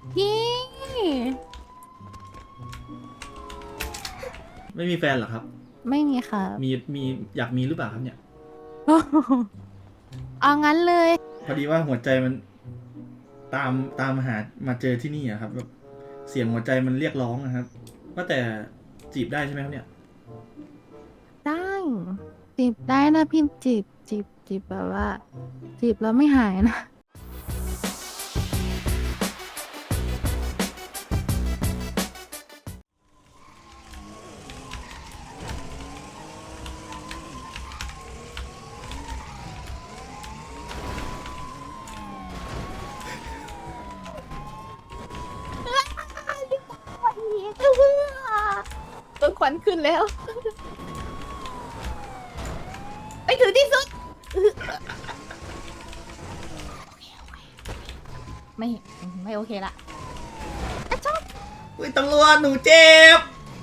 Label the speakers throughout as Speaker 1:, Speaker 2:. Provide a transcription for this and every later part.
Speaker 1: พี่
Speaker 2: ไม่มีแฟนเหรอครับ
Speaker 1: ไม่มีค่ะ
Speaker 2: มีอยากมีหรือเปล่าครับเนี่ย
Speaker 1: เอางั้นเลย
Speaker 2: พอดีว่าหัวใจมันตามตามหามาเจอที่นี่อะครับแบบเสียงหัวใจมันเรียกร้องนะครับว่าแต่จีบได้ใช่ไหมครับเนี่ย
Speaker 1: ได้จีบได้นะพี่จีบแบบว่าจีบแล้วไม่หายนะต้นควันขึ้นแล้วไปถึงที่สุดไม่ไม่โอเคละชอบ
Speaker 2: อุ้ยตำรวจหนูเจ็บ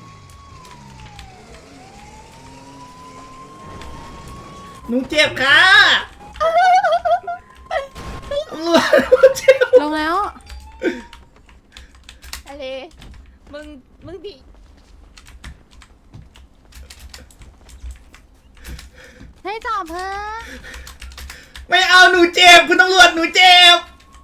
Speaker 2: หนูเจ็บค่ะตำรวจหนูเจ็บ
Speaker 1: ลงแล้วอะไรมึงดิให้จอบเพิ่ม
Speaker 2: ไม่เอาหนูเจ็บคุณตำรวจหนูเจ็บ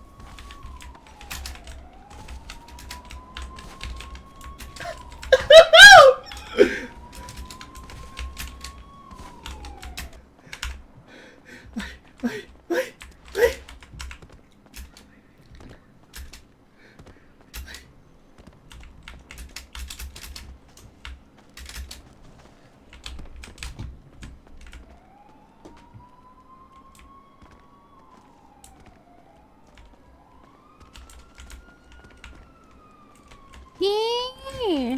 Speaker 1: พี่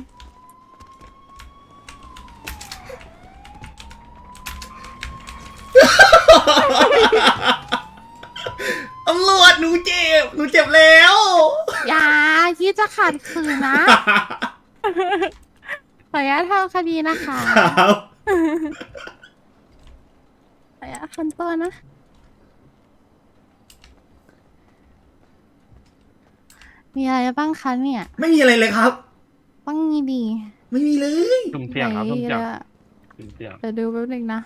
Speaker 2: ตำรวจหนูเจ็บหนูเจ็บแล้ว
Speaker 1: อย่าคิดจะขัดขืนนะ ขออนุญาตทำคดีนะคะ
Speaker 2: ครับ
Speaker 1: ขออนุญาตคันตัวนะ มีอะไรบ้างคะเนี่ย
Speaker 2: ไม่มีอะไรเลยครับ
Speaker 1: ต้องมีดี
Speaker 2: ไม่มีเลย
Speaker 3: สุ่มเสี่ยงครับสุ่มเสี่ยง
Speaker 1: ไหนอะ
Speaker 3: สุ่มเสี่ยง
Speaker 1: เดี๋ยวดูแป๊บนึงนะ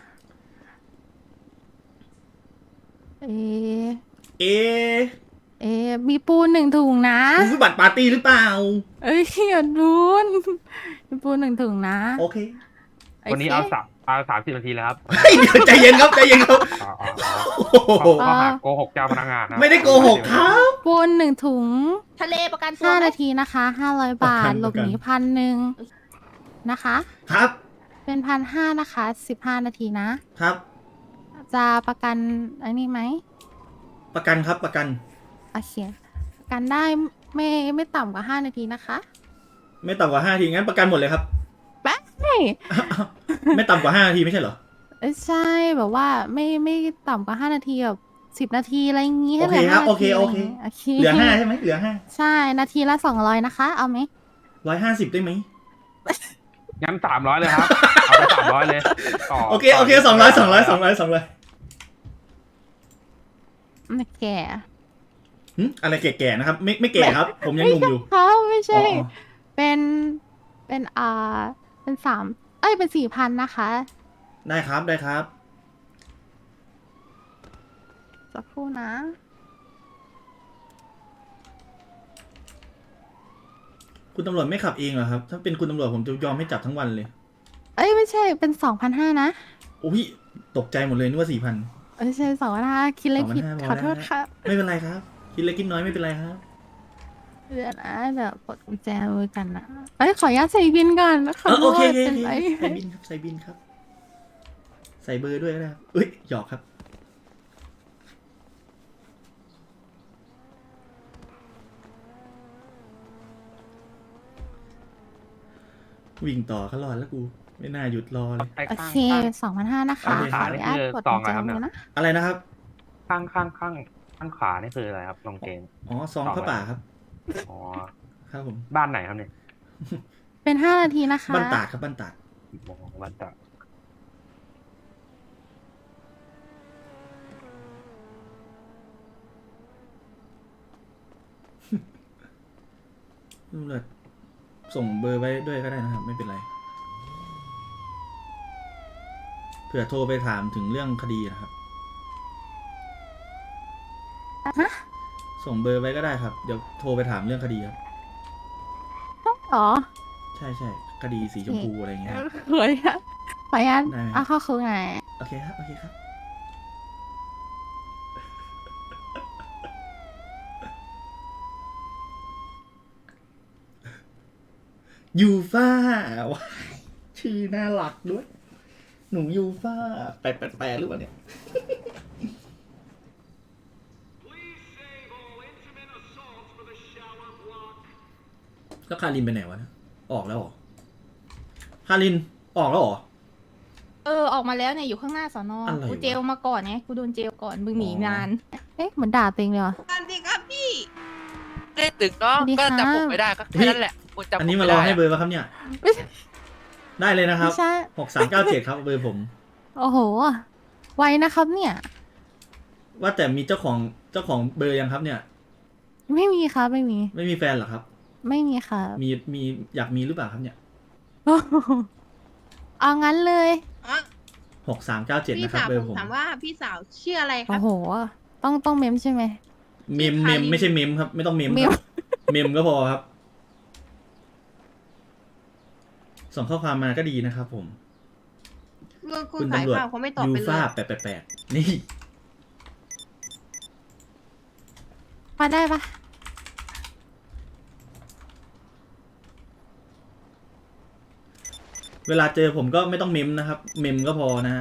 Speaker 1: เอะ
Speaker 2: เอ๊ะ
Speaker 1: เอะมีปูน1 ถุงนะ
Speaker 2: คุณคือบัตรปาร์ตี้หรือเปล่า
Speaker 1: เอ้ยอย่ารุนมีปูน1 ถุงนะ
Speaker 2: โอเค
Speaker 3: วันนี้
Speaker 1: โค
Speaker 3: เอา30 นาทีเลยครับ
Speaker 2: เฮ้ยเดี๋ยวใจเย็นครับใจเย็นครับ โอ้โห
Speaker 3: ข้อหาโกหกเจ้าพนักงานนะ
Speaker 2: ไม่ได้โกหกครับ
Speaker 1: ปูน1 ถุง
Speaker 4: ทะเลประกันตัวไหม
Speaker 1: 5 นาทีนะคะ500 บาท หลบหนี1,000นะคะ
Speaker 2: ครับ
Speaker 1: เป็น1,500นะคะ15 นาทีนะ
Speaker 2: ครับ
Speaker 1: จะประกันอันนี้ไหม
Speaker 2: ประกันครับประกัน
Speaker 1: โอเคประกันได้ไม่ต่ำกว่า5 นาทีนะคะ
Speaker 2: ไม่ต่ำกว่า5 นาทีงั้นประกันหมดเลยครับ
Speaker 1: แป๊ะ
Speaker 2: ไม่ต่ำกว่า5 นาทีไม่ใช่เหรอ
Speaker 1: ใช่แบบว่าไม่ต่ำกว่า5 นาทีแบบ10 นาทีอะไรอย่างงี้ให้
Speaker 2: โอ
Speaker 1: เห
Speaker 2: เค
Speaker 1: ลือ
Speaker 2: ครับ
Speaker 1: 5 นาที
Speaker 2: โอเค
Speaker 1: ะไรย่างงี้โอเค
Speaker 2: เหลือ5ใช่ไหมเหลือ
Speaker 1: ใช่นาทีละ200นะคะ เอาไหม
Speaker 2: 5 150ได้ไหม
Speaker 3: งั้น300เลยครับ เอาไป300เลยต่อ
Speaker 2: โอเค200
Speaker 1: โอเค
Speaker 2: อะไรแก่ๆนะครับ ไม่แก่ครับ ผมยังหนุ่มอยู่
Speaker 1: เขาไม่ใช่
Speaker 2: อ๋อ
Speaker 1: เป็นเป็นเป็นเป็น4,000นะคะ
Speaker 2: ได้ครับได้ครับ
Speaker 1: สักครู่นะ
Speaker 2: คุณตำรวจไม่ขับเองเหรอครับ ถ้าเป็นคุณตำรวจผมจะยอมให้จับทั้งวันเลย
Speaker 1: ไม่ใช่เป็น2,500นะ
Speaker 2: โอ้ยตกใจหมดเลยนึกว่า4,000
Speaker 1: ไม่ใช่2,500คิดเลขผิด
Speaker 2: 2,500
Speaker 1: ขอโทษค่ะ
Speaker 2: ไม่เป็นไรครับ คิดเล็กคิดน้อยไม่เป็นไรครับ
Speaker 1: เดี๋ยวนะเดี๋ยวกดกุญแจมือกันนะขออนุญาตใส่บินก่อนขอโท
Speaker 2: โอ
Speaker 1: ษ
Speaker 2: เค
Speaker 1: เป็นไร
Speaker 2: ใส่บินครับใส่บินครับ ใส่เบอร์ด้วยก็ได้ครับเอ้ยหยอกครับ วิ่งต่อก็รอดแล้วกู ไม่น่าหยุดรอเลย
Speaker 3: ไอ้
Speaker 1: โอ
Speaker 3: ข้าง
Speaker 1: เค 2,500นะคะ
Speaker 2: โอเค
Speaker 1: ขออนุญาตกดกุญแจมือนะ
Speaker 2: อะไรนะครับ
Speaker 3: ข้างขวานี่คืออะไรครับลองเกง
Speaker 2: อ๋อซองผ้าป่าครับ
Speaker 3: อ๋อ
Speaker 2: ครับผม
Speaker 3: บ้านไหนครับเนี่ย
Speaker 1: เป็น5 นาทีนะคะ
Speaker 2: บ้านตาดครับบ้านตาด
Speaker 3: มองบ้านตะ
Speaker 2: ตำรวจส่งเบอร์ไว้ด้วยก็ได้นะครับ ไม่เป็นไรเผื่อโทรไปถามถึงเรื่องคดีนะครับ
Speaker 1: ฮะ
Speaker 2: ส่งเบอร์ไว้ก็ได้ครับ เดี๋ยวโทรไปถามเรื่องคดีครับ
Speaker 1: หรอ
Speaker 2: ใช่ใช่คดีสีชมพูอะไรอย่างเงี้ยครับ
Speaker 1: เฮ้ยขออนุญาต
Speaker 2: ได้ไหม
Speaker 1: เอาเข้าคุกหน่อย
Speaker 2: โอเคครับ โอเคครับ ยูฟ่าว้ายชื่อน่ารักด้วย หนูยูฟ่าแปลหรือเปล่าเนี่ย แล้วคารินไปไหนวะเนี่ยออกแล้วเหรอ คารินออกแล้วเหรอ
Speaker 4: ออกมาแล้วเนี่ยอยู่ข้างหน้าสอนอ
Speaker 2: อะไรวะ
Speaker 4: กูเจลมาก่อนไงกูโดนเจลก่อนมึงหนี
Speaker 2: อ๋อ
Speaker 4: นาน
Speaker 1: เอ๊ะเหมือนด่าตัวเองเลยว่ะ
Speaker 5: สวัสดีครับพี่
Speaker 6: เล่นตึกเนาะ
Speaker 1: สวัสดี
Speaker 6: ก็
Speaker 1: ค่ะ
Speaker 6: จำผมไม่ได้ก็แค่นั้นแหละคุณจำผม
Speaker 2: อันนี้
Speaker 6: ไม่
Speaker 2: มารอ
Speaker 6: ได้
Speaker 2: ให้
Speaker 6: อะ
Speaker 2: เบอร์ป่ะครับเนี่ย
Speaker 1: ไม่ใช่
Speaker 2: ได้เลยนะครับ
Speaker 1: ไม่ใช่
Speaker 2: 6397 ครับเบอร์ผม
Speaker 1: โอ้โห ไวนะครับเนี่ย
Speaker 2: ว่าแต่มีเจ้าของเบอร์ยังครับเนี่ย
Speaker 1: ไม่มีครับไม่มี
Speaker 2: ไม่มีแฟนเหรอครับ
Speaker 1: ไม่มีครับ
Speaker 2: มีอยากมีหรือเปล่าครับเนี่ย
Speaker 1: โอ้โหเอางั้นเลย
Speaker 5: อ๋อ
Speaker 2: 6397
Speaker 5: พี่
Speaker 2: นะครับ
Speaker 5: สาว
Speaker 2: เบอ
Speaker 5: ผ
Speaker 2: ร์
Speaker 5: ม
Speaker 2: ผม
Speaker 5: ถามว่าพี่สาวชื่ออะไรค
Speaker 1: โอ้
Speaker 5: รับ
Speaker 1: โห ต้องเมมใช่ไหม
Speaker 2: เมม
Speaker 5: คาริน
Speaker 2: ไม่ใช่เมมครับ ไม่ต้องเมม
Speaker 1: เม
Speaker 2: ค
Speaker 1: ม
Speaker 2: รับเมมก็พอครับ ส่งข้อความมาก็ดีนะครับผม
Speaker 5: คุณสาย
Speaker 2: ตำรวจ
Speaker 5: ข่าวเขาไม่ตอบ
Speaker 2: ยู
Speaker 5: ไปเล
Speaker 2: ฟ่าย 888นี่
Speaker 1: มาได้ปะ
Speaker 2: เวลาเจอผมก็ไม่ต้องเมมนะครับ เมมก็พอนะฮะ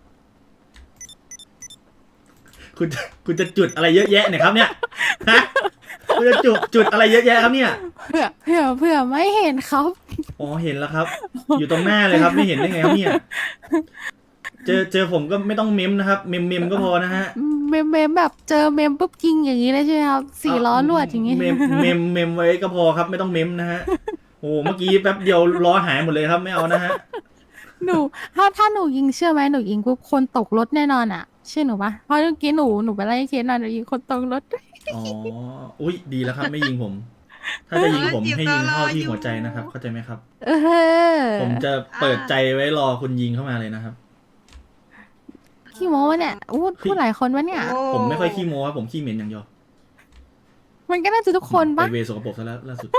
Speaker 2: คุณจะจุดอะไรเยอะแยะเนี่ยครับเนี่ย ฮะ คุณจะจุดอะไรเยอะแยะครับเนี่ย
Speaker 1: เผื่อไม่เห็นครับ
Speaker 2: อ๋อเห็นแล้วครับ อยู่ตรงหน้าเลยครับ ไม่เห็นได้ไงครับเนี่ย เจอผมก็ไม่ต้องเมมนะครับ เมมก็พอนะฮะ
Speaker 1: เมมแบบเจอเมมปุ๊บยิงอย่างนี้เลยใช่ไหมครับ4 ล้อลวดอย่างนี้
Speaker 2: เมมไว้ก็พอครับ ไม่ต้องเมมนะฮะ โอ้เมื่อกี้แป๊บเดียวล้อหายหมดเลยครับ ไม่เอานะฮะ
Speaker 1: หนูถ้าหนูยิงเชื่อไหมหนูยิงปุ๊บคนตกรถแน่นอนอ่ะเชื่อหนูปะเพราะเมื่อกี้หนูไปไล่เคสมาหนูยิงคนตกรถ
Speaker 2: อ๋อ อุ้ยดีแล้วครับ ไม่ยิงผม ถ้าจะยิงผมให้ยิงเข้าที่หัวใจนะครับ เข้าใจไหมครับ
Speaker 1: เออ
Speaker 2: ผมจะเปิดใจไว้รอคุณยิงเข้ามาเลยนะครับ
Speaker 1: ขี้โม้วะเนี่ยพูดหลายคนวะเนี่ย
Speaker 5: โอ้
Speaker 2: ผมไม่ค่อยขี้โม้ครับผมขี้เหม็นอย่างเดียว
Speaker 1: มันก็น่าจะทุกคน
Speaker 2: ไป
Speaker 1: ปะ
Speaker 2: เวสกปรกซะแล้วล่าสุด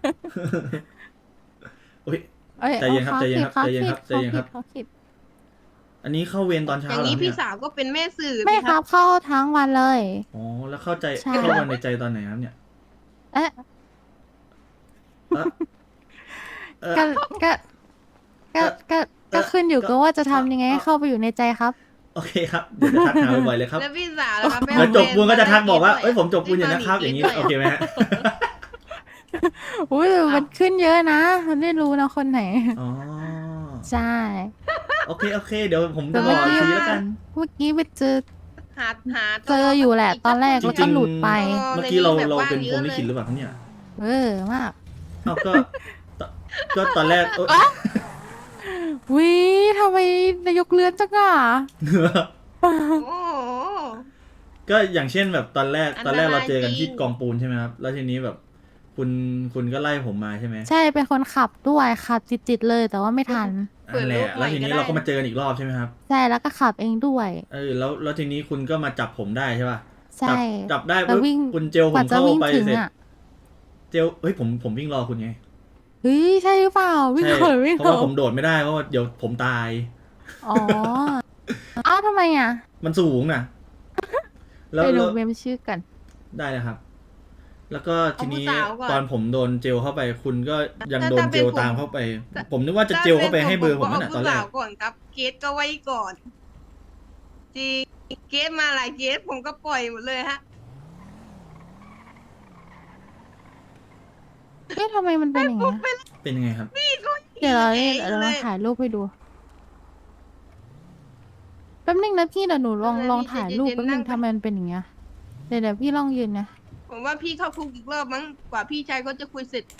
Speaker 2: โอ้ย
Speaker 1: อ้
Speaker 2: ใจเย็นครับ
Speaker 1: อา
Speaker 2: ใจเย็นครับ
Speaker 1: ขา
Speaker 2: ใจเย็นครับ
Speaker 1: ผิด
Speaker 2: ใจเย็นครับ
Speaker 1: ขาผิด
Speaker 2: อันนี้เข้าเวรตอนเช้า
Speaker 5: อย่าง
Speaker 2: เหร
Speaker 5: นี้
Speaker 2: อ
Speaker 5: พี่
Speaker 2: เนี่ย
Speaker 5: สาวก็เป็นแม่สื่อ
Speaker 1: ไม่
Speaker 5: สิ
Speaker 1: ครับเข้าทั้งวันเลย
Speaker 2: อ๋อ แล้ว
Speaker 1: ใช่
Speaker 2: เข้าวันในใจตอนไหนครับเนี่ย
Speaker 1: เอ๊ะ
Speaker 2: เอ่อเอ่อ
Speaker 1: ก็ก็
Speaker 2: เอ่อ
Speaker 1: ก็ขึ้นอยู่กับว่าจะทำยังไงให้เข้าไปอยู่ในใจครับ
Speaker 2: โอเคครับ เดี๋ยวจะทักหาบ่อยๆเลยครับ
Speaker 5: แล้วพี่สาวนะครับ
Speaker 2: เดี๋ยวจบปูนก็จะทักบอกว่า เอ้ยผมจบปูนอย่างนะครับ อย่างนี้ โอเคไหมฮะ
Speaker 1: อุ้ยแต่มันขึ้นเยอะนะมันไม่รู้นะคนไหน
Speaker 2: อ๋อ
Speaker 1: ใช่
Speaker 2: โอเค เดี๋ยวผมจะบอกอีกทีแล้วกัน
Speaker 1: เมื่อกี้ไปเจอ
Speaker 5: หา
Speaker 1: เจออยู่แหละตอนแรก
Speaker 2: จ
Speaker 1: แล้ว
Speaker 2: ริ
Speaker 1: ก็
Speaker 2: ง
Speaker 1: หลุดไป
Speaker 2: ๆ เมื่อกี้เราเป็นพรหมลิขิตหรือเปล่าครับเนี่ย
Speaker 1: มาก
Speaker 2: เอ้าก็ตอนแรกเอ้ย
Speaker 1: วิทำไมนายกเลือนจังอ่ะ
Speaker 5: โอ้โห
Speaker 2: ก็อย่างเช่นแบบตอนแรก
Speaker 5: อันตราย
Speaker 2: เราเจอกันที่
Speaker 5: จริง
Speaker 2: กองปูนใช่ไหมครับ แล้วทีนี้แบบคุณก็ไล่ผมมาใช่ไหม
Speaker 1: ใช่เป็นคนขับด้วยขับจิตๆเลยแต่ว่าไม่ทัน
Speaker 2: นั่นแหละแล้วทีนี้เราก็มาเจอกันอีกรอบใช่ไหมครับ
Speaker 1: ใช่แล้วก็ขับเองด้วย
Speaker 2: แล้วทีนี้คุณก็มาจับผมได้ใช่ป่ะ
Speaker 1: ใช่
Speaker 2: จับได้
Speaker 1: แล้ว
Speaker 2: ปุ๊บ
Speaker 1: วิ่ง
Speaker 2: คุณเจลผ
Speaker 1: กว่าม จะ
Speaker 2: เข้า
Speaker 1: วิ่ง
Speaker 2: ไป
Speaker 1: ถึง
Speaker 2: เสร็จ
Speaker 1: อ่ะ
Speaker 2: เจลเฮ้ยผมวิ่งรอคุณไง
Speaker 1: เฮ้ยใช่หรือเปล่าวิ่ง
Speaker 2: ใช่
Speaker 1: ก่อนวิ่ง
Speaker 2: เพราะ
Speaker 1: ก่อ
Speaker 2: ว่าน ผมโดดไม่ได้เพราะว่าเดี๋ยวผมตาย
Speaker 1: อ๋ออ้าวทำไมอ่ะ
Speaker 2: มันสูงน่ะ แล้ว
Speaker 1: ไปดู
Speaker 2: แล้ว
Speaker 1: เมมชื่อกัน
Speaker 2: ได้นะครับ แล้วก็ทีนี้
Speaker 5: เอาผู้สาวก่อน
Speaker 2: ตอนผมโดนเจลเข้าไป คุณก็ยังโดน
Speaker 5: ถ้า
Speaker 2: เจลตามเข้าไป ผมนึกว่าจะเจลเข้าไปให้เบอร์ผมนั่นแหละตอนแร
Speaker 5: าก ก่อนครับเกสก็ไว้ก่อนจริงเกสมาหลายเกสผมก็ปล่อยหมดเลยฮะ
Speaker 1: เอ๊ะทำไมมันเป็นอย่างเงี้ย
Speaker 2: เป็นยังไงครับ
Speaker 1: เดี๋ยวเรา
Speaker 5: เอง
Speaker 1: เรา
Speaker 5: เลย
Speaker 1: ถ่ายรูปให้ดูแป๊บนึงนะพี่เดี๋ยวหนูลองถ่ายรูปแป๊บนึงทำไมมันเป็นอย่างเงี้ยเดี๋ยวพี่ลองยืนนะ
Speaker 5: ผมว่าพี่เข้าคุกอีกรอบมั้งกว่าพี่ชายก็จะคุยเสร็จ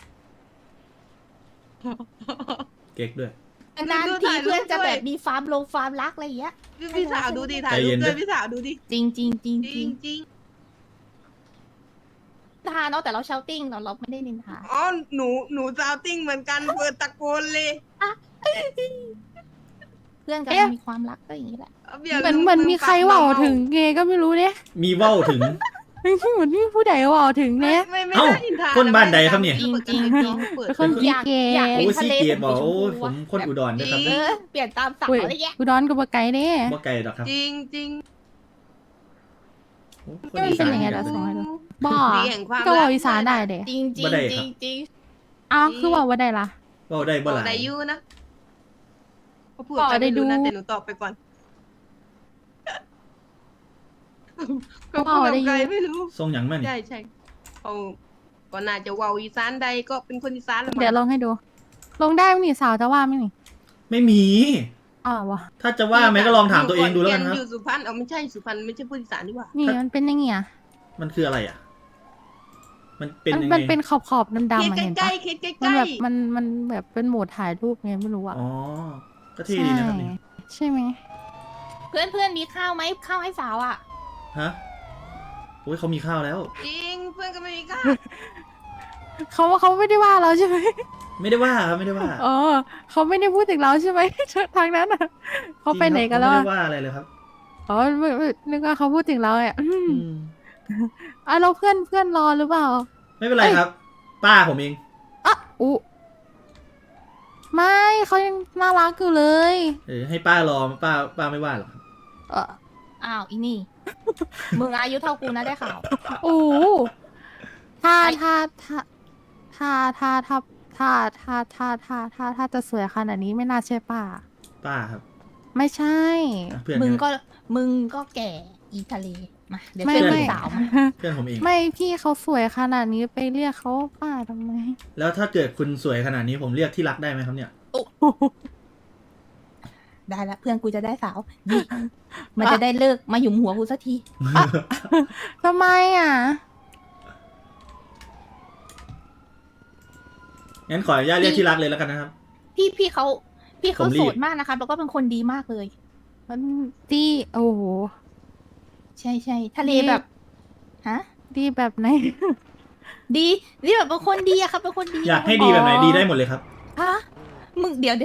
Speaker 2: เก๊กด้วย
Speaker 4: นาน
Speaker 5: ดู
Speaker 4: ที
Speaker 5: ถ่ายรูป
Speaker 4: เพื่อนจะ
Speaker 5: ด้วย
Speaker 4: แบบมีฟาร์มรักอะไรอย่างเงี้ย
Speaker 5: พี่สาวดูดิถ่าย
Speaker 2: ใจ
Speaker 5: รู
Speaker 2: เย็
Speaker 5: ป
Speaker 2: น
Speaker 5: ด้วย
Speaker 2: ด้วย
Speaker 5: พี่สาวดูดิ
Speaker 4: จริงจริงจริง
Speaker 5: จ
Speaker 4: จ
Speaker 5: ริ
Speaker 4: ริ
Speaker 5: ง
Speaker 4: ง
Speaker 5: จริง
Speaker 4: ทาเนาะแต่เราเชาติ้งเราไม่ได้นินทา
Speaker 5: อ๋อหนูซาวติ้งเหมือนกันเปิดตะโกนเลย
Speaker 4: เพื่อนกัน
Speaker 1: เอ๊ะ
Speaker 4: มีความรักก็อย่างนี้แหละ
Speaker 5: เอาเบียร์
Speaker 1: เหมือน
Speaker 5: ลุง
Speaker 1: เหมือนมีใคร
Speaker 5: ปก
Speaker 1: เว่า
Speaker 5: เมา
Speaker 1: ถึงเงก็ไม่รู้เนี่ย
Speaker 2: มีเว้าถึง
Speaker 1: เหมือนมีผู้ใดเว่าถึง
Speaker 5: ไม่
Speaker 1: เนี่ย
Speaker 5: ไม่ไม่
Speaker 2: เอ้า
Speaker 5: ได้อินทา
Speaker 2: คนบ้านใดครับเนี่ย
Speaker 4: จริง
Speaker 5: เปิด
Speaker 1: เป็น
Speaker 5: ก
Speaker 1: คน
Speaker 5: ระจก
Speaker 1: ขี้
Speaker 4: อยาก
Speaker 1: เก
Speaker 4: อยาก
Speaker 1: ย์
Speaker 4: เห็น
Speaker 2: โอ้ย
Speaker 4: ทะ
Speaker 2: ซี
Speaker 4: เล
Speaker 2: เกียรติบอก
Speaker 4: เป็น
Speaker 2: โอ้ย
Speaker 4: ช
Speaker 2: ผม
Speaker 4: พู
Speaker 2: คนอุดรนะครับ
Speaker 4: เออเปลี่ยนตามสั่ง
Speaker 1: อุ้ย
Speaker 4: อะไรเงี้ย
Speaker 1: อุดรกับบไก่เนี่ย
Speaker 2: บ่ไกลดอกครับ
Speaker 5: จริงจริง
Speaker 2: โอ้ค
Speaker 1: นี่มันเป็นยังไง
Speaker 2: อีสา
Speaker 1: ล่ะ
Speaker 2: กั
Speaker 1: ส่งให้
Speaker 2: น
Speaker 1: ดู บ่อ
Speaker 5: ดีแห่งความ
Speaker 1: ก็เว่า
Speaker 5: รัก
Speaker 1: อีสานได้เด้
Speaker 4: จริงจริ
Speaker 2: บ่
Speaker 4: ง
Speaker 2: ได้
Speaker 4: จ
Speaker 2: ครั
Speaker 4: ริ
Speaker 2: บ
Speaker 4: งจริง
Speaker 1: อ้าวคือว่าได้ล่ะ
Speaker 2: เว้าได้
Speaker 5: บ
Speaker 2: บ่
Speaker 5: อก
Speaker 2: หลาย
Speaker 5: ได้อยูนะเขาพูด
Speaker 1: บอก
Speaker 5: กัน
Speaker 1: ได้
Speaker 5: ไม่รู้นะ
Speaker 1: ดู
Speaker 5: แต่หนูตอบไปก่อนเขา
Speaker 1: บ
Speaker 5: พู
Speaker 1: อ
Speaker 5: ด
Speaker 1: ก
Speaker 5: กับ
Speaker 1: ได้อ
Speaker 5: ใคร
Speaker 1: ยู่
Speaker 5: ไม่รู้
Speaker 2: ทรงหยังมานี่
Speaker 5: ใช่ใช่เขาก็น่าจะเว้าอีสานใดก็เป็นคนอีสานละมั้ง
Speaker 1: เดี๋ยวลงให้ดู ลงได้ไหมนี่สาวจะว่าไหมนี่
Speaker 2: ไม่มี
Speaker 1: อ๋อวะ
Speaker 2: ถ้าจะว่าไหมก็ลองถามตัวเองดูแล้วกันครับ
Speaker 5: อยู่สุพรรณเอาไม่ใช่สุพรรณไม่ใช่พูดอีสานดีกว่า
Speaker 1: นี่มันเป็นยังไงอ่ะ
Speaker 2: มันคืออะไรอ่ะ มันเป็นยังไง
Speaker 1: มันเป็นขอบๆดำๆ
Speaker 5: เคิด
Speaker 1: อะเห็น
Speaker 5: ใกล้
Speaker 1: ปะ
Speaker 5: ๆเคิดใก
Speaker 1: มัน
Speaker 5: ล้
Speaker 1: แบบมันแบบเป็นโหมดถ่ายรูปไงไม่รู้อ่ะ
Speaker 2: อ๋อ ก็เท่ดีนะครับนี่
Speaker 1: ใช่ไหม
Speaker 4: เพื่อนมีข้าวไหมข้าวให้สาวอ่ะ
Speaker 2: ฮะโอ้ยเขามีข้าวแล้ว
Speaker 5: ๆจริงเพื่อนก็ไม่มีค่า
Speaker 1: เขาไม่ได้ว่าเราใช่ไหม
Speaker 2: ไม่ได้ว่าครับไม่ได้ว่า
Speaker 1: อ๋อเขาไม่ได้พูดถึงเราใช่ไหม ทางนั้นอ่ะเขาไปไหนกันแล้ว
Speaker 2: ไม่
Speaker 1: อะ
Speaker 2: ได้ว่าอะไรเลยครับ
Speaker 1: อ๋อไม่นึกว่าเขาพูดถึงเราอ่ะ
Speaker 2: อืม
Speaker 1: อ่ะเราเพื่อนรอหรือเปล่า
Speaker 2: ไม่เป็นไรครับ ป้าผมเอง
Speaker 1: อ่ะอุไม่เขายังน่ารักอยู่เลย
Speaker 2: ให้ป้ารอป้าไม่ว่าหรอกครับ
Speaker 1: เออ
Speaker 4: อ้าวอีนี่ มึงอายุเท่ากูนะได้ข่าว
Speaker 1: โอ้ถ้าจะสวยขนาดนี้ไม่น่าใช่ป้า
Speaker 2: ป้าครับ
Speaker 1: ไม่ใช่
Speaker 2: อ่ะเพื่อน
Speaker 4: มึงก็แก่อีทะเลมาเดี๋ยว
Speaker 1: ไม่
Speaker 4: เพื่อน
Speaker 1: ไม่
Speaker 4: สาวมา
Speaker 2: เพื่อนผมเอง
Speaker 1: ไม่พี่เขาสวยขนาดนี้ไปเรียกเขาป้าทำไม
Speaker 2: แล้วถ้าเกิดคุณสวยขนาดนี้ผมเรียกที่รักได้ไหมครับเนี่ย
Speaker 4: ได้ละเพื่อนกูจะได้สาวนี่มันจะได้เลิกมาหยุมหัวกูสักที
Speaker 1: ทำไมอ่ะ
Speaker 2: งั้นขออนุญาตเรียกที่รักเลยแล้วกันนะครับ
Speaker 4: พี่เขา
Speaker 2: ผมรีบ
Speaker 4: โสดมากนะครับแล้วก็เป็นคนดีมากเลย
Speaker 1: มันดีโอ้โห
Speaker 4: ใช่ทะเล
Speaker 1: ดี
Speaker 4: แบบฮะ
Speaker 1: ดีแบบไหน
Speaker 4: ดีแบบเป็นคนดีอะครับเป็นคนดี
Speaker 2: อยากให้ดีแบบไหน
Speaker 1: อ๋อ
Speaker 2: ดีได้หมดเลยครับ
Speaker 4: ฮะมึงเดี๋ยว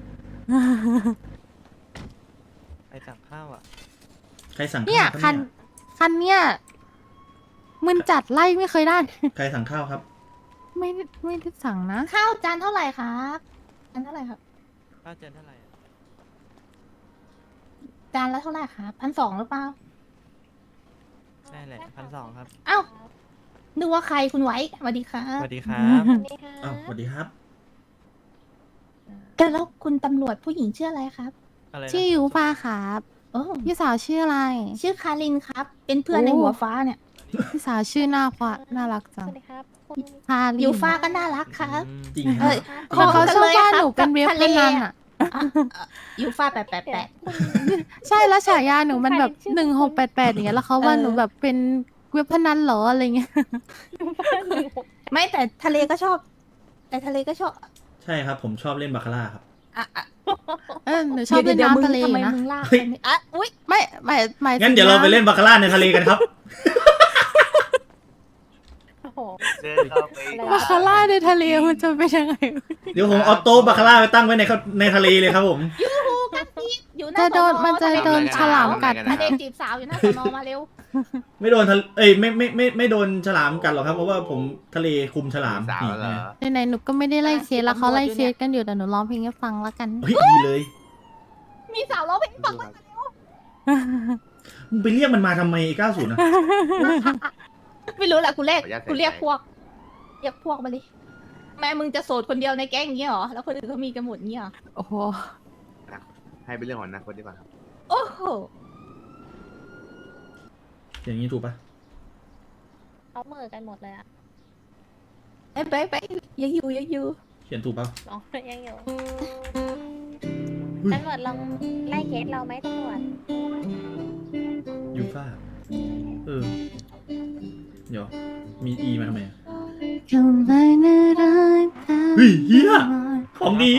Speaker 7: ไปสั่งข้าวอ่ะ
Speaker 2: ใครสั่ง
Speaker 1: เนี่ย
Speaker 2: ข้าวครับ
Speaker 1: คันเนี่ยมึนจัดไล่ไม่เคยได้
Speaker 2: ใครสั่งข้าวครับ
Speaker 1: ไม่ได้สั่งนะ
Speaker 4: ข้าวจานเท่าไหร่ครับจานเท่าไหร่ครับ
Speaker 7: ข้าวเจนเท่าไหร่อะ
Speaker 4: จานละเท่าไหร่ครับ1,200หรือเปล่า
Speaker 7: ได้แหละ1,200ครับ
Speaker 4: เอ้านึกว่าใครคุณไว้สวัสดีครั
Speaker 7: ส
Speaker 4: บ
Speaker 7: วัสดีครับ
Speaker 2: อ้าวสวัสดีครับ
Speaker 4: แล้วคุณตำรวจผู้หญิงชื่ออะไรครับ
Speaker 7: อะไรนะ
Speaker 1: ชื่อยูฟ้าครับ
Speaker 4: โอ้
Speaker 1: พี่สาวชื่ออะไร
Speaker 4: ชื่อคารินครับ เป็นเพื่อน
Speaker 1: โอ้
Speaker 4: ในหัวฟ้าเนี่ย
Speaker 1: พี่สาวชื่อน่ารักจังพาลิน
Speaker 4: อยู่ฟ้าก็น่ารักครับ
Speaker 7: อืม
Speaker 2: จริงค
Speaker 4: เอ้
Speaker 2: รับ
Speaker 4: ย
Speaker 1: เขาชอบว่าหนูเป็นเว็บ
Speaker 4: ทะ
Speaker 1: พ
Speaker 4: เล
Speaker 1: นันอ่ะ
Speaker 4: อยู่ฟ้าแปด
Speaker 1: ใช่แล้วฉายาหนูมันแบบ1688อย่างเงี้ยแล้วเขาว่าหนูแบบเป็นเว็บพนันเหรออะไรเงี้ย
Speaker 4: ไม่แต่ทะเลก็ชอบ แต่ทะเลก็ชอบ
Speaker 2: ใช่ครับ ผมชอบเล่นบาคาร่าครับ
Speaker 1: หนูชอบเล่น
Speaker 4: ดี๋ยว
Speaker 1: น้ำทะเลอ
Speaker 4: ทำไม
Speaker 1: ยู่นะ
Speaker 4: มึงลาก
Speaker 2: เฮ้ย
Speaker 4: ไปเนี่ยอ่ะอุ้ย
Speaker 1: ไม่หมายถึ
Speaker 2: งั้นเดี๋ยวเราไปเล่นบาคาร่าในทะเลกันครับ
Speaker 1: บาคาร่าในทะเลมันจะเป็นยังไง
Speaker 2: เดี๋ยวผมเอาโต๊ะบาคาร่าไปตั้งไว้ในทะเลเลยครับผม
Speaker 4: อยู่หน้า
Speaker 1: จะโดน
Speaker 4: ส
Speaker 1: มันจะ
Speaker 4: ทะเล
Speaker 1: โดนฉลามกัด
Speaker 4: ทะเลจีบสาวอยู่หน้าสนมาเร็ว
Speaker 2: ไม่โดนทะเลเอ้ยไม่โดนฉลามกัดหรอกครับ เพราะว่าผมทะเลคุมฉลาม
Speaker 6: สาวเหรอ
Speaker 1: ไหนๆหนูก็ไม่ได้ไล่เคสแล้วเขาไล่เคสกันอยู่แต่หนูร้องเพลงให้ฟังแล้วกัน
Speaker 2: เฮ้ยดีเลย
Speaker 4: มีสาวร้องเพลงฟัง
Speaker 2: มึงไปเรียกมันมาทำไมไอ้90นะ
Speaker 4: ไม่รู้แหละกูเรียก
Speaker 6: ขออนุญาต
Speaker 4: กูเรียก
Speaker 6: ใส่ใจ
Speaker 4: พวกเรียกพวกมาเลยแม่มึงจะโสดคนเดียวในแก๊งอย่างเงี้ยเหรอแล้วคนอื่นเขามีกันหมดเงี้ยเหรอ
Speaker 1: โอ้โห
Speaker 6: ให้เป็นเรื่องของอนาคตดีกว่าครับ
Speaker 4: โอ้โห
Speaker 2: อย่างนี้ถูกปะ
Speaker 8: เขาเหม่อกันหมดเลยอะ
Speaker 4: ไปยังอยู่
Speaker 2: เขียนถูกปะ
Speaker 8: น้องยังอยู่ตำรวจลองไล่เคสเราไหมตำรวจ
Speaker 2: ยูฟ่าเดี๋ยวมีอีมาทำไมอะเฮ้ยเฮียของดี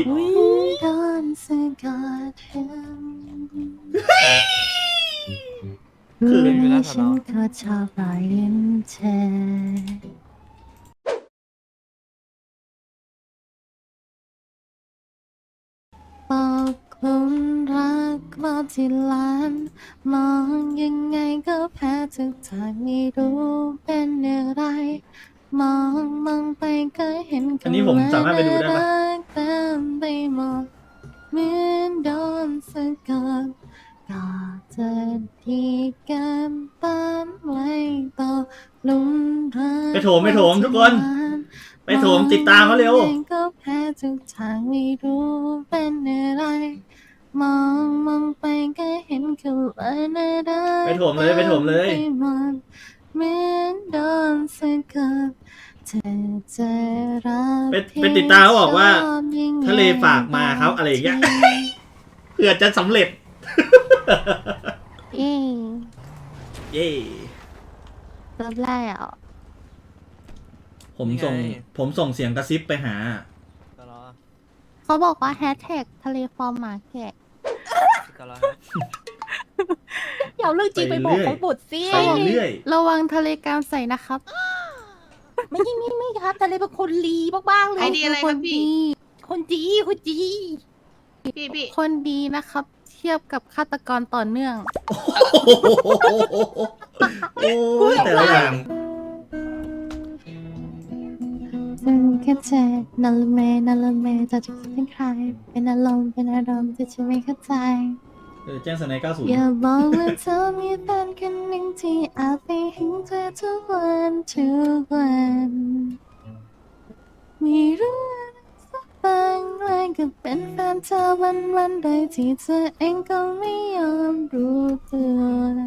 Speaker 2: คือ
Speaker 7: เป็นเวลาส
Speaker 1: ฉั
Speaker 7: อน
Speaker 1: นก็ชอบรอยยิ้มเธอลุมรักรอบที่ล้าน มองยังไงก็แพ้ทุกทางไม่รู้เป็นอะไร มองไปก็เห็น
Speaker 2: อันนี้ผมสามารถไปดูได้ปะ
Speaker 1: รักเต็มไปหมดเหมือนโดนสะกดก็จะดีกันตามไว้ต่อลุมรัก
Speaker 2: ไปโถมทุกคน ไปโถมติดตามเขาเร็ว
Speaker 1: มองยังไงก็แพ้ทุกทางไม่รู้เป็นอะไร มองไปก็เห็นเขาว่าน่ารัก
Speaker 2: ไปโถมเลยไปโถมเลย
Speaker 1: ไปหมดเหมือนโดนสะกดเธอจะรัก
Speaker 2: ไปติดตามเขาบอกว่า
Speaker 1: ชอบยังไง
Speaker 2: ทะเลฝากมาครับอะไรอย่างเงี้ย เผื่อจะสำเร็จ
Speaker 1: เย้
Speaker 2: เย่
Speaker 1: รอบแล้ว
Speaker 2: ผมส่งเสียงกระซิบไปหา
Speaker 7: ก็รอ
Speaker 1: เขาบอกว่าแฮชแท็กทะเลฟอร์มหมาแกะ
Speaker 7: ก็รอครับ
Speaker 4: อย่าเอาเรื่องจริงไปบอกเขาบุตรสิ
Speaker 2: ไปเรื่อย
Speaker 1: ระวังทะเลกามใส่นะครับ
Speaker 4: ไม่ครับทะเลเป็นคนลีบ้างๆเล
Speaker 5: ไอย เดียอะไรครับพี่
Speaker 4: คนจี
Speaker 5: พี่
Speaker 1: คนดีนะครับ เทียบกับฆาตกรต่อเนื่อง
Speaker 2: โอ้ยแต่ละอย่าง
Speaker 1: ฉันแค่เธอนั่นละเมจะคิดถึงใคร เป็นอารมณ์ที่ฉันไม่เข้าใจ
Speaker 2: แจ้งสไน90
Speaker 1: อย่าบอกว่าเธอมีแฟนคนหนึ่งที่อาจไปเห็นเธอทุกวันไม่รู้สักบางเลยก็เป็นแฟนเธอวันโดยที่เธอเองก็ไม่ยอมรู้ตัว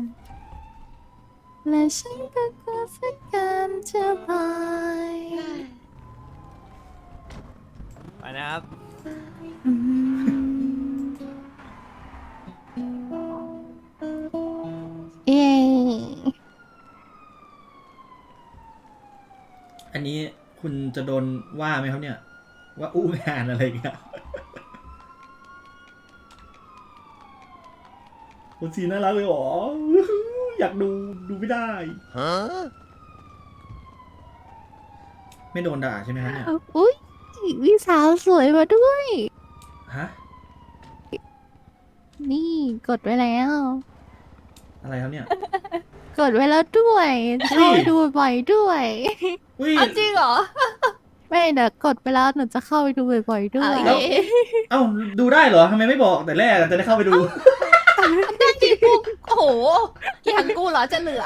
Speaker 1: และฉันก็กลัวสักการจะบาย
Speaker 7: ไปนะครับ
Speaker 1: อืมเย้
Speaker 2: อันนี้คุณจะโดนว่าไหมครับเนี่ย ว่าอู้งานอะไรอย่างเงี้ยคุณซีน่ารักเลยเหรอ อยากดูไม่ได้ ไม่โดนด่าใช่ไหมครับเนี่ย
Speaker 1: อุ๊ยมีสาวสวยมาด้วย
Speaker 2: ฮะ
Speaker 1: นี่กดไว้แล้ว
Speaker 2: อะไรครับเนี่ย
Speaker 1: กดไว้แล้วด้วยเข้าไปดูบ่อยด้วย
Speaker 2: อุ้ย
Speaker 4: เอาจริงเหรอ
Speaker 1: ไม่เดี๋ยวกดไปแล้วหนูจะเข้าไปดูบ่อยๆด้วย
Speaker 2: แล้ว เอ้าดูได้เหรอทำไมไม่บอกแต่แรกอะจะได้เข้าไปดู
Speaker 4: จริงกูโอ้โหอย่างกูเหรอจะเหลือ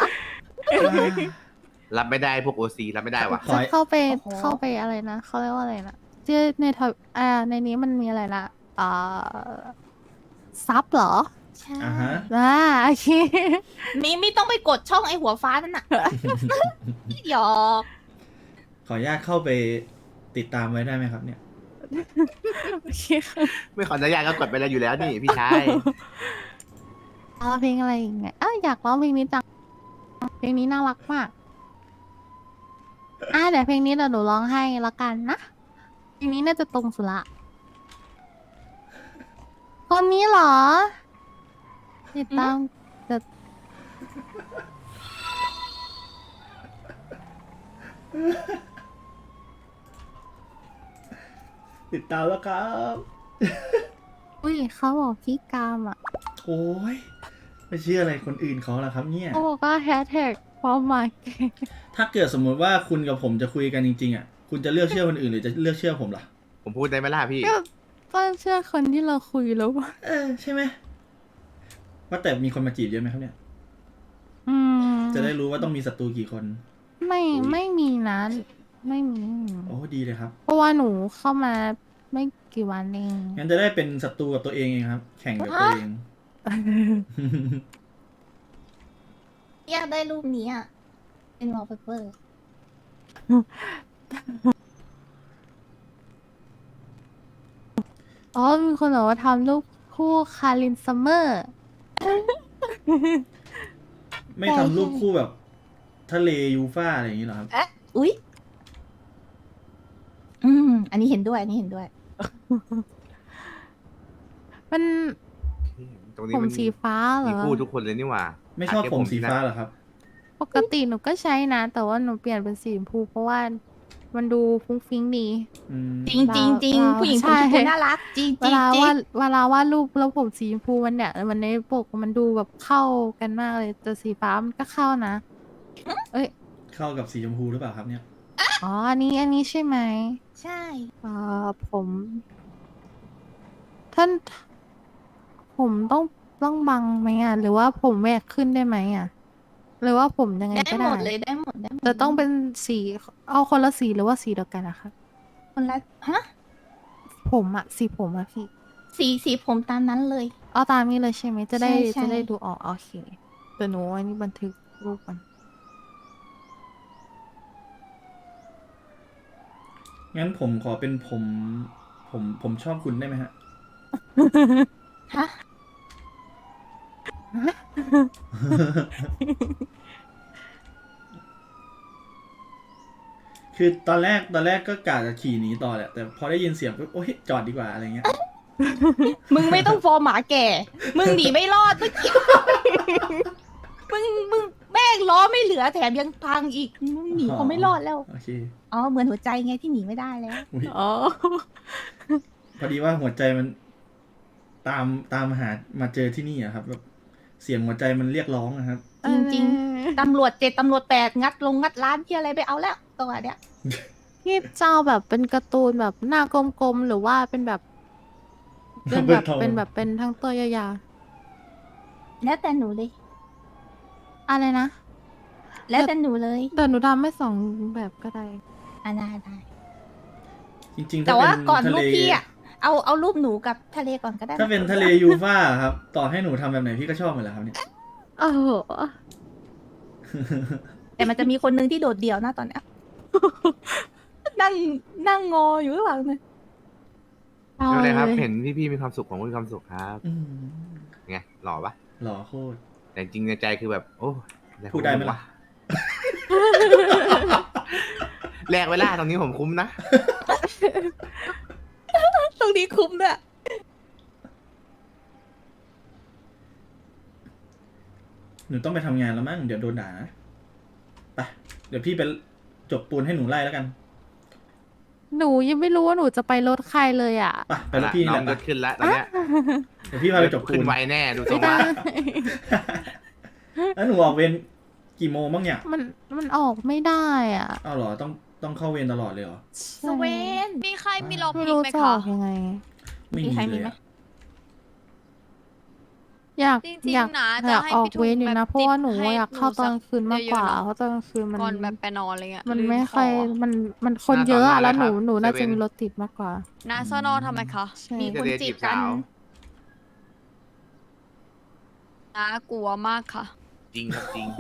Speaker 6: รับไม่ได้พวกโอซีรับไม่ได้ว่ะ
Speaker 2: ขอ
Speaker 1: จะเข้าไป
Speaker 4: โอ้โห
Speaker 1: เข้าไปอะไรนะเขาเรียกว่าอะไรนะที่ในทวิในนี้มันมีอะไรนะซับเหรอ ใช่
Speaker 2: อ่าฮะ
Speaker 1: โอเค
Speaker 4: ไม่ต้องไปกดช่องไอหัวฟ้านั่นน่ะ หยอก
Speaker 2: ขออนุญาตเข้าไปติดตามไว้ได้ไหมครับเนี่ย
Speaker 1: โอเคค่ะ
Speaker 6: ไม่ขออนุญาตก็กดไปแล้วอยู่แล้วนี่พี่ชาย
Speaker 1: เอาเพลงอะไรอีกไงอยากร้องเพลงนี้จังเพลงนี้น่ารักมากเดี๋ยวเพลงนี้เดี๋ยวหนูร้องให้ละกันนะเพลงนี้น่าจะตรงสุดละคนนี้เหรอ ติดตามจะ
Speaker 2: ติดตามแล้วครับ
Speaker 1: อุ้ยเขาบอกพี่กามอ่ะ
Speaker 2: โอ้ยไม่เชื่ออะไรคนอื่นเขาละครับเนี่ย
Speaker 1: เขาบอกว่าแฮชแท็กความหมายเก่ง
Speaker 2: ถ้าเกิดสมมุติว่าคุณกับผมจะคุยกันจริงๆอ่ะ คุณจะเลือกเชื่อคนอื่นหรือจะเลือกเชื่อผมล่ะ
Speaker 6: ผมพูดได้ไหมล่ะพี่
Speaker 1: ก็เชื่อคนที่เราคุยแล้วว่า
Speaker 2: ใช่ไหมว่าแต่มีคนมาจีบเยอะไหมครับเนี่ย
Speaker 1: อืม
Speaker 2: จะได้รู้ว่าต้องมีศัตรูกี่คน
Speaker 1: ไม่มีนะไม่มี
Speaker 2: โอ้ดีเลยครับ
Speaker 1: เพราะว่าหนูเข้ามาไม่กี่วันเอง
Speaker 2: งั้นจะได้เป็นศัตรูกับตัวเองเองครับ แข่งกับตัวเอง
Speaker 4: อยากได้รูปนี้อ่ะ เป็นวอลเปเปอร์
Speaker 1: อ๋อมีคนบอกว่าทำรูปคู่คารินซัมเมอร์
Speaker 2: ไม่ทำรูปคู่แบบ ทะเลยูฟ่าอะไรอย่างนี้เหรอครับ
Speaker 4: อุ๊ย อันนี้เห็นด้วย
Speaker 1: มัน
Speaker 6: ตรงนี้
Speaker 1: ผม
Speaker 6: มัน
Speaker 1: สีฟ้าเหร
Speaker 6: มี
Speaker 1: อ
Speaker 6: คู่ทุกคนเลยนี่หว่า
Speaker 2: ไม่ชอบ
Speaker 6: แค่
Speaker 2: ผมสี
Speaker 6: ที่นะ
Speaker 2: ฟ้าเหรอครับ
Speaker 1: ปกติหนูก็ใช้นะ แต่ว่าหนูเปลี่ยนเป็นสีชมพูเพราะว่ามันดูฟุ้งฟิ้งดี
Speaker 2: อืม
Speaker 4: จริงจริงจริง
Speaker 1: เรา
Speaker 4: ผู้หญิง
Speaker 1: ใช่
Speaker 4: ผมชมพูน่ารัก จริง
Speaker 1: เว
Speaker 4: จริง
Speaker 1: ลา
Speaker 4: จริ
Speaker 1: ว่าง เวลาวาดรูปแล้วผมสีชมพูมันเนี่ยมันในปกมันดูแบบเข้ากันมากเลยแต่สีฟ้ามันก็เข้านะ เอ้ย
Speaker 2: เข้ากับสีชมพูหรือเปล่าครับเนี่ย
Speaker 1: อ๋ออันนี้ใช่ไหม
Speaker 4: ใช่
Speaker 1: ผมท่านผมต้องบังไหมอ่ะหรือว่าผมแหวกขึ้นได้ไหมอ่ะหรือว่าผมยังไง
Speaker 4: ได้
Speaker 1: ก็
Speaker 4: หม
Speaker 1: ได้
Speaker 4: ดเลยได้หมดได้หมด
Speaker 1: แต่ต้องเป็นสีเอาคนละสีหรือว่าสีเดียวกันอะคะ
Speaker 4: คนละฮะ
Speaker 1: ผมอะสีผมอะพี่
Speaker 4: สีผมตามนั้นเลย
Speaker 1: เอาตามนี้เลยใช่ไหมจะได้
Speaker 4: ใช่
Speaker 1: จะได้ดูออกโอเคแต่หนูอันนี้บันทึกรูปมัน
Speaker 2: งั้นผมขอเป็นผมชอบคุณได้ไหมฮะ
Speaker 4: ฮะ
Speaker 2: คือตอนแรกก็กะจะขี่หนีต่อแหละแต่พอได้ยินเสียงปุ๊บโอ๊ยจอดดีกว่าอะไรเงี้ย
Speaker 4: มึงไม่ต้องฟอร์มหมาแก่ มึงหนีไม่รอดเมื่อกี้ มึงแม่งล้อไม่เหลือแถมยังพังอีก มึงหนีเขาไม่รอดแล้ว
Speaker 2: โอเค
Speaker 4: อ๋อ เหมือนหัวใจไงที่หนีไม่ได้แล้ว
Speaker 2: อุ๊ย
Speaker 1: อ๋อ
Speaker 2: พอดีว่าหัวใจมันตามหามาเจอที่นี่อะครับแบบเสียงหัวใจมันเรียกร้องนะครับ
Speaker 4: จริง ตำรวจ7ตำรวจ8งัดร้านที่อะไรไปเอาแล้วตัวเนี้ย
Speaker 1: พี่เจ้าแบบเป็นการ์ตูนแบบหน้ากลมๆหรือว่าเป็นแบบเป็นทั้งตัวยาว
Speaker 4: แล้วแต่หนูเลย
Speaker 1: ๆอะไรนะ
Speaker 4: แล้วแต่หนูเลย
Speaker 1: แต่หนูทำไม่สองแบบก็ได้
Speaker 4: ได้
Speaker 2: จริงๆ
Speaker 4: แต่
Speaker 2: ถ้า
Speaker 4: ว่า
Speaker 2: เป็น
Speaker 4: ก่อน
Speaker 2: ทะ
Speaker 4: รู
Speaker 2: เล
Speaker 4: ปพี่อะเอารูปหนูกับทะเลก่อนก็ได้
Speaker 2: ถ้าเป็นทะเลยูฟ่าครับต่อให้หนูทำแบบไหนพี่ก็ชอบหมดแหละครับเนี่ย
Speaker 1: โอ้โห
Speaker 4: แต่มันจะมีคนนึงที่โดดเดี่ยวนะตอนเนี้ย นั่งงออยู่ข้างหลังเลย
Speaker 1: เอา
Speaker 6: ไม่เป็นไรครับ
Speaker 1: เลย
Speaker 6: เห็นพี่ๆมีความสุขผมก็มีความสุขครับ
Speaker 2: อืม
Speaker 6: ไงหล่อปะ
Speaker 2: หล่อโคตร
Speaker 6: แต่จริงๆในใจคือแบบ โอ้แลก
Speaker 2: พูดได้ไหมล่ะ
Speaker 6: แลกเวลาตรงนี้ผมคุ้มนะ
Speaker 4: ตรงนี้คุ้มด้วย
Speaker 2: หนูต้องไปทำงานแล้วมั้งเดี๋ยวโดนด่านะไปเดี๋ยวพี่ไปจบปูนให้หนูไล่แล้วกัน
Speaker 1: หนูยังไม่รู้ว่าหนูจะไปรถใครเลยอ่ะ
Speaker 2: ไปรถพี่นี่
Speaker 6: น้
Speaker 2: แห
Speaker 6: อง
Speaker 2: ละ
Speaker 6: รถขึ้นแล้วตอนเนี้ย
Speaker 2: เดี๋ยวพี่พาไปจบปู
Speaker 6: ขึ้
Speaker 2: น
Speaker 6: นไวแน่ดูทร
Speaker 1: ไม่
Speaker 6: ง
Speaker 1: ได้
Speaker 6: ว่า
Speaker 2: แล้วหนูออกเวรกี่โมงบ้างเนี่ย
Speaker 1: มันออกไม่ได้อ่ะ
Speaker 2: อ้าวเหรอต้องเข้าเวรตลอดเลยเหรอ
Speaker 4: สเวน
Speaker 9: มีใครมีลอง
Speaker 1: ไม่
Speaker 9: พิง
Speaker 1: รู้
Speaker 9: ไหม
Speaker 1: จะอ
Speaker 9: คะ
Speaker 1: อกยังไง
Speaker 2: ไม่
Speaker 4: มี
Speaker 2: มี
Speaker 4: ใคร
Speaker 2: เล
Speaker 4: มี
Speaker 2: ย
Speaker 4: ไหม
Speaker 2: อะ
Speaker 1: อยาก
Speaker 9: จริง
Speaker 1: อยาก
Speaker 9: ๆนะ
Speaker 1: อ
Speaker 9: จะ
Speaker 1: ยาก
Speaker 9: ให้
Speaker 1: ออก
Speaker 9: พี่ทุ
Speaker 1: เว
Speaker 9: ง
Speaker 1: รอยู่
Speaker 9: แบ
Speaker 1: นะ
Speaker 9: บ
Speaker 1: เพราะว่าหนู
Speaker 9: ให้
Speaker 1: อยากเข้าตอนกลางคืนมากกว่า
Speaker 9: เยอะๆเนอะ
Speaker 1: เพราะตอนกลางคืนมัน
Speaker 9: ก่อนแบบไปนอนอะไรเงี้ย
Speaker 1: มัน
Speaker 9: ลื
Speaker 1: ไม่ค่อย
Speaker 9: ของะ
Speaker 1: มันคนเยอะอะแล้วหนู
Speaker 6: ครับ
Speaker 1: หนูน่า
Speaker 6: เซ
Speaker 1: จะ
Speaker 6: เว่น
Speaker 1: มีรถติดมากกว่า
Speaker 9: นาซอนอทำไมคะ
Speaker 1: ใช่
Speaker 4: มี
Speaker 6: ทะเลจีบสาว
Speaker 9: น้ากลัวมากค่ะ
Speaker 6: จริงครับจริง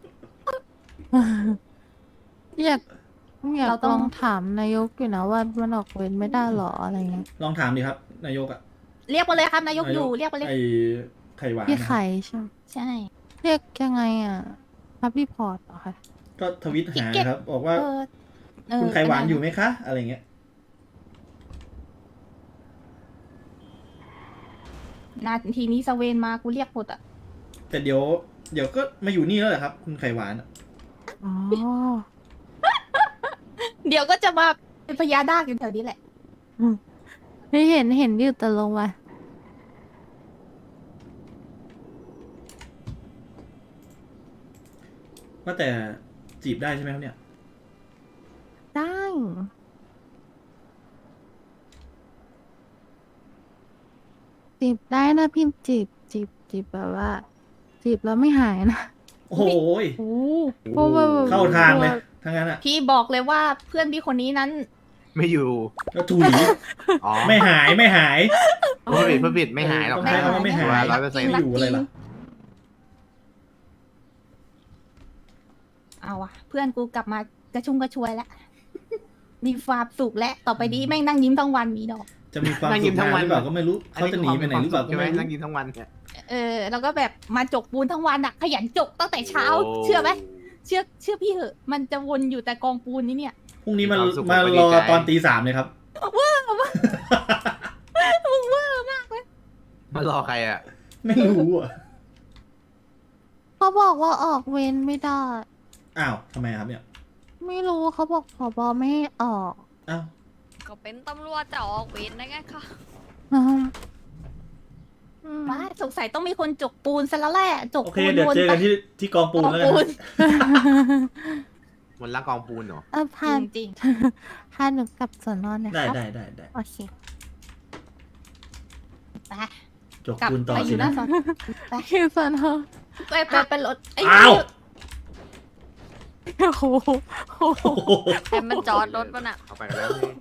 Speaker 1: อยากอยาก
Speaker 4: เราต้
Speaker 1: ล
Speaker 4: อง
Speaker 1: องถามนายกอยู่นะว่ามันออกเวรไม่ได้หรออะไรเงี้ย
Speaker 2: ลองถามดิครับ นายกอะ
Speaker 4: เรียกมาเลยครับนายกอยู่เรียกมาเลย
Speaker 2: ไอไข่หวาน
Speaker 1: พี่
Speaker 2: นะครับ
Speaker 1: ไข่ใช่ไหม
Speaker 4: ใช่
Speaker 1: เรียกยังไงอ่ะรับรีพอร์ตเหรอคะ
Speaker 2: ก็ทวิตหาครับ บอกว่า คุณไข่หวานอยู่ไหมคะ อะไรเงี้ย
Speaker 4: นาทีนี้สเวนมากูเรียกหมดอ่ะ
Speaker 2: แต่เดี๋ยวก็มาอยู่นี่แล้วแหละครับ คุณไข่หวานอะ
Speaker 1: อ๋อ
Speaker 4: เดี๋ยวก็จะมาเป็นพญานาคอยู่แถวนี้แหละ
Speaker 1: ไม่เห็นอยู่แต่ลงมา
Speaker 2: ว่าแต่จีบได้ใช่ไหมครับเนี่ย
Speaker 1: ได้จีบได้นะพี่จีบแบบว่าจีบแล้วไม่หายนะ
Speaker 2: โอ้โหย
Speaker 1: เพราะว่าแบบ
Speaker 2: เข้าทางเลยทั้งนั้นอะ
Speaker 4: พี่บอกเลยว่าเพื่อนพี่คนนี้นั้น
Speaker 6: ไม่อยู่
Speaker 2: แล้วถุย
Speaker 6: อ๋อ
Speaker 2: ไม่หายไม่หาย
Speaker 6: ผู้ผิดไม่หายหรอก
Speaker 2: ต้องใช้คำว่าไม่หาย
Speaker 6: 100%
Speaker 2: ไม่อยู่อะไรล่ะ
Speaker 4: เอาวะเพื่อนกูกลับมากระชุ่มกระชวยแล้ว มีความสุขแล้วต่อไปนี้แม่งนั่งยิ้มทั้งวันมีดอก
Speaker 2: จะมีความ
Speaker 6: นั่ง
Speaker 2: สุ
Speaker 6: ยิ้
Speaker 2: ข
Speaker 6: มทั้
Speaker 2: นาง น
Speaker 6: วัน
Speaker 2: หรือเปล่าก็ไม่รู้เขาจะหนีไปไหนหรือเปล่าก็
Speaker 6: ใช่ไหม
Speaker 2: ไม่รู้
Speaker 6: นั่งกินทั้งวันเนี่ย
Speaker 4: แล้วก็แบบมาจกปูนทั้งวันอะขยันจกตั้งแต่เช้า
Speaker 6: โ
Speaker 4: เชื่อไหมเชื่อพี่เหอะ มันจะวนอยู่แต่กองปูนนี่เนี่ย
Speaker 2: พรุ่งนี้มา
Speaker 6: มีความสุข
Speaker 2: มาร
Speaker 6: ผมก็
Speaker 2: อ
Speaker 6: ดีใจ
Speaker 2: ตอนตี 3เลยครับ
Speaker 6: มารอใครอ่ะ
Speaker 2: ไม่รู้อ่ะ
Speaker 1: เขาบอกว่าออกเวรไม่ได้
Speaker 2: อ้าวทำไมครับเนี่ย
Speaker 1: ไม่รู้เขาบอกผบไม่ให้ออก
Speaker 2: อ้าว
Speaker 9: ก็เป็นตำรวจจะออกเวรได้ไงคะ
Speaker 1: อืม
Speaker 4: ว่าสงสัยต้องมีคนจกปูนซะแล้วแหละจก
Speaker 2: โอเค
Speaker 4: ปูน
Speaker 2: เดี๋ยว
Speaker 4: วน
Speaker 2: เจอ
Speaker 4: ไป
Speaker 2: กันที่กองปูนแล้วกัน
Speaker 4: ปูน
Speaker 6: มันรักกองปูนเหรอ
Speaker 1: พา
Speaker 4: จริง
Speaker 1: พาหนูกลับสอนอนนะ
Speaker 2: ได้
Speaker 1: ครับ
Speaker 2: ได้
Speaker 1: โอเค
Speaker 4: ๆไป
Speaker 2: จก
Speaker 4: กลับ
Speaker 2: ปูนต่อ
Speaker 4: ไปอ
Speaker 2: สิ
Speaker 4: ยู่ห
Speaker 2: นะ
Speaker 4: น้าสอนไป
Speaker 1: คือสอนอ
Speaker 4: ไปรถไอ้
Speaker 2: อ้าว
Speaker 1: โอ้โหโอ้โห
Speaker 2: โอ้โห
Speaker 9: แต่มันจอดรถมันอะ
Speaker 6: เอาไปกันแล้วนี่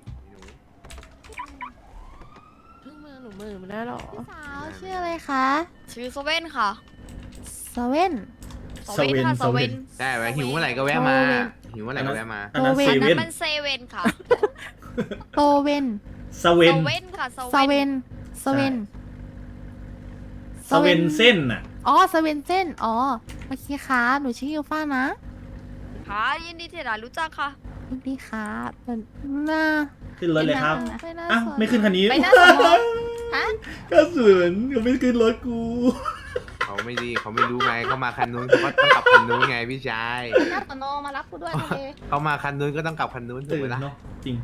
Speaker 6: หนู
Speaker 1: หนูมือมันได้หรอสาวชื่ออะไรคะ
Speaker 9: ชื่อโซเว่นค่ะ
Speaker 1: สเว่น
Speaker 9: โซเว่นค่ะโซเว่น
Speaker 6: ใช่ไว้หิวเมื่อไหร่ก็แวะมา
Speaker 1: โอ้เว้ย
Speaker 6: หิวเมื่อไหร่ก็แวะมา
Speaker 2: อันนั้น
Speaker 1: โอเว่
Speaker 2: เซ
Speaker 9: อันนั้
Speaker 2: เว่น
Speaker 9: นมันเซเว่นค่ะ
Speaker 1: โตเว่น
Speaker 2: สเวน
Speaker 9: โซเว่นค่ะโซ
Speaker 1: ส
Speaker 9: เว่
Speaker 1: เวน นสเวน
Speaker 2: สเวนเส้นน่ะ
Speaker 1: อ๋อสเวนเส้นอ๋อโอเคค่ะหนูชื่อยูฟ่านะ
Speaker 9: ค่ะยินดีที่ได้รู้จักค่ะ
Speaker 1: สวัสดีค่ะเป็นหน้า
Speaker 2: ขึ้นรถเลยครับ
Speaker 1: ไปหน้า
Speaker 2: อ้าว
Speaker 1: สอน
Speaker 2: ไม่ขึ้นคันนี้
Speaker 4: ไปหน้าสอนอฮะ
Speaker 2: กระสุนก็ไม่ขึ้นรถกู
Speaker 6: เขาไม่ดีเขาไม่รู้ไงเขามาคันนู้นเขาก็ต้องกลับคันนู้นไงพี่ชาย
Speaker 4: หน้าสอนอมารับกูด้วยทะเล
Speaker 6: เขามาคันนู้นก็ต้องกลับคันนู้นถูก
Speaker 2: ตื่
Speaker 6: ไหม
Speaker 2: น
Speaker 6: ล่ะ
Speaker 2: เนาะจริง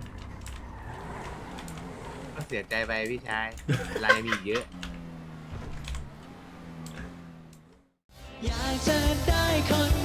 Speaker 6: ก็เสียใจไปพี่ชายเวลายังมีอีกเยอะ
Speaker 7: อยากจะได้คน